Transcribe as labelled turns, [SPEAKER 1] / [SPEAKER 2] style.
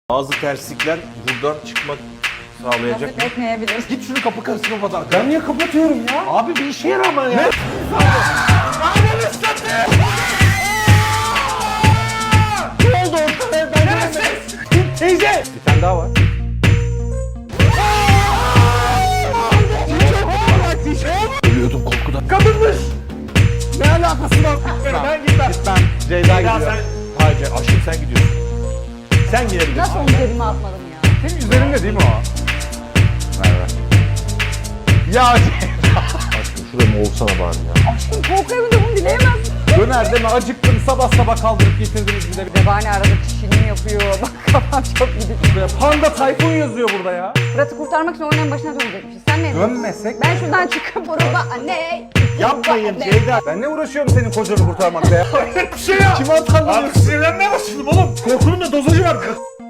[SPEAKER 1] Bazı terslikler buradan çıkmak sağlayacak.
[SPEAKER 2] Nasip etmeyebilir.
[SPEAKER 3] Git şunu kapı karısı kapat. Ben niye kapatıyorum ya? Abi bir işe yarama ya. Ne? Ne oldu ortada? Ben teyze. Bir tane daha var. Ölüyordum korkudan. Kadınmış. Ne alakası var? Ben gitmem. Ceyda gidiyor.
[SPEAKER 1] Hayır aşkım sen gidiyorsun. Sen gidebilirsin.
[SPEAKER 2] Nasıl onu cebime atmadım ya?
[SPEAKER 3] Senin üzerinde değil mi o? Merhaba. Ya
[SPEAKER 1] Aşkım şurada mı olsana bari ya.
[SPEAKER 2] Aşkım korku evinde bunu dileyemezsin.
[SPEAKER 3] döner deme acıktım sabah kaldırıp getirdiniz bir de.
[SPEAKER 2] Zebani arada çişini yapıyor. Bak kafam çok gidiyor.
[SPEAKER 3] Panda Tayfun yazıyor burada ya.
[SPEAKER 2] Fırat'ı kurtarmak için oyunun başına dönecekmişiz. Sen ne diyorsun?
[SPEAKER 3] Dönmesek.
[SPEAKER 2] Ben şuradan çıkıp orada anne.
[SPEAKER 3] Yapmayın
[SPEAKER 2] anne.
[SPEAKER 3] Ceyda. Ben ne uğraşıyorum senin kocanı kurtarmakla ya?
[SPEAKER 1] Bir şey ya.
[SPEAKER 3] Kime atarlanıyorsun?
[SPEAKER 1] Sinirlenmeye başladım oğlum. Korkunun da dozajı var.